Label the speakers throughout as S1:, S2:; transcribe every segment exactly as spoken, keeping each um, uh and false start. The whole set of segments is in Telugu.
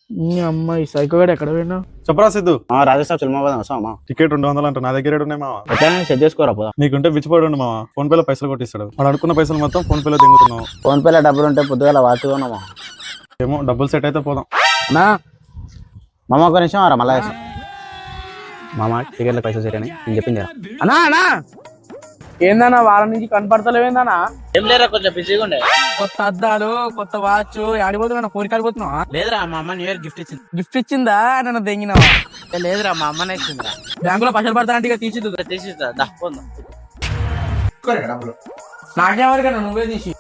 S1: అమ్మాయి సైకోగాడు ఎక్కడ పోయినా
S2: చెప్పరా సిద్ధు.
S3: రాజస్థాన్ సినిమా పోదాం వస్తావా?
S2: టికెట్ రెండు వందలు అంట, నా దగ్గర ఉన్నాయి మావా.
S3: ఎట్లా సెట్ చేసుకోరా పోదాం.
S2: నీకుంటే బిచ్చిపోయాడు ఉండు మావా, ఫోన్ పేలో పైసలు కొట్టిస్తాడు. వాడు అనుకున్న పైసలు మొత్తం ఫోన్ పేలో దింగుతున్నావు.
S3: ఫోన్ పేలో డబ్బులు ఉంటే పొద్దుగాల వాచుకున్నామా?
S2: ఏమో డబ్బులు సెట్ అయితే పోదాం.
S3: నా మామ ఒక నిమిషం రా, మళ్ళా మామ టికెట్ల పైసలు సరే అని నేను చెప్పింది.
S1: అన్నా అన్నా ఏందన్నా వారం నుంచి కనపడతలేవేందన్నా?
S3: ఏం లేరా, కొంచెం బిజీగా ఉండే.
S1: కొత్త అద్దాలు, కొత్త వాచ్ ఆడిపోతున్నా, కోరిక ఆడిపోతున్నావా?
S3: లేదురా, మా అమ్మ న్యూ ఇయర్ గిఫ్ట్ ఇచ్చింది.
S1: గిఫ్ట్ ఇచ్చిందా? నన్ను దెంగినావా?
S3: లేదురా, మా అమ్మనే ఇచ్చిందిరా.
S1: బ్యాంకులో పైసలు పడతా అంటే తీసి
S3: తీసిస్తా.
S1: నాకేమరికన్నా నువ్వే తీసి.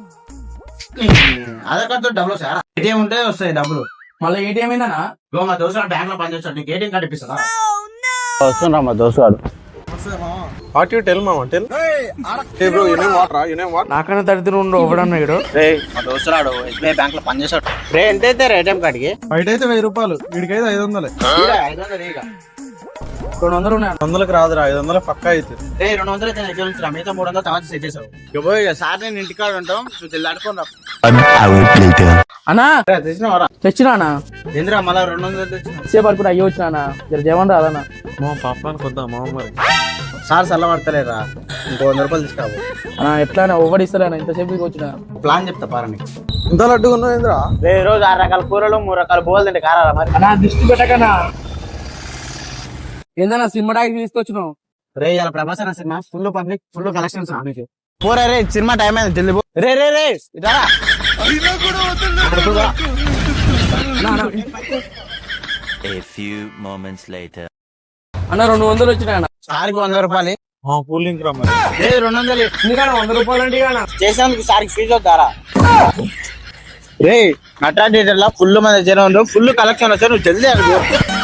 S3: ఆధార్ కార్డు డబ్బులు సార్, ఏటీఎం ఉంటే వస్తాయి డబ్బులు.
S1: మళ్ళీ ఏటీఎం ఏందన్నా?
S3: మా దోస్తు బ్యాంక్ లో పనిచేస్తాడు, నీకు ఏటీఎం కార్డు ఇప్పిస్తా. వస్తుండ్రా మా దోస్తు.
S2: వాట్ యు టెల్ మావా, టెల్. ఏ బ్రో, యు నేమ్ వాట్ రా, యు నేమ్ వాట్?
S1: నాకన్నా దరిద్రం ఉండు ఒకడన్నా ఇడు.
S3: రే మా దోస్తురాడు ఎస్బీఐ బ్యాంక్ లో పనిచేస్తాడు. రే ఎంత అయితే ఏటీఎం కార్డుకి?
S2: బయట అయితే వెయ్యి రూపాయలు, వీడికైతే ఐదు వందలే.
S3: ఐదు వందలు ఇక
S1: రెండు వందలు ఉన్నాయి.
S2: వందలకు రాదురా, ఐదు వందలు పక్కా అయితే.
S3: రే రెండు వందలు అయితే ఎక్కడ నుంచి మిగతా మూడు వందలు తర్వాత సెట్ చేసావు. సార్ నేను ఇంటికాడ ఉంటాం, తెల్లాడుకోరా.
S1: అన్నా
S3: తెచ్చినావరా?
S1: తెచ్చినానా?
S3: ఏంద్రా మళ్ళా రెండు వందలు తెచ్చిన?
S1: సేపు అనుకుని అయ్యి వచ్చినా జర జవన్ రాదన్నా.
S2: మా పాపానికి వద్దా మా మరి.
S3: సార్ చల్ల పడతలేరా, ఇంకో వంద రూపాయలు తీసుకురావు.
S1: అన్నా ఎట్లా ఒవ్వడిస్తారా? ఇంతసేపు వచ్చిన
S3: ప్లాన్ చెప్తా పారని.
S2: ఇంత లడ్డుగా ఉన్నావు ఏంద్రా?
S3: రే రోజు ఆరు రకాల కూరలు మూడు రకాల బోల్ తింటే కారా మరి.
S1: అన్నా దిష్టి పెట్టకనా? ఏందన్నా సినిమా టాకి తీసుకొచ్చినావు?
S3: రే ఇలా ప్రభాస్ అన్న సినిమా ఫుల్ పబ్లిక్, ఫుల్ కలెక్షన్స్. పోరా రే, సినిమా టైం అయింది, జల్ది పో. రే రే రే ఇదారా
S4: A few moments later.
S1: అన్న రెండు వందలు వచ్చినాయి అన్న.
S3: సార్కి వంద రూపాయలు.
S2: కూల్ డ్రింక్ రా మరి.
S3: రే రెండు వందలు
S1: ఎందుకన్నా వంద రూపాయలు అంటే
S3: చేసేందుకు సార్కి ఫీజు వద్దారా? రే నటరా థియేటర్ లో ఫుల్ మంది జనం, ఫుల్ కలెక్షన్ వచ్చారు, నువ్వు జల్దీ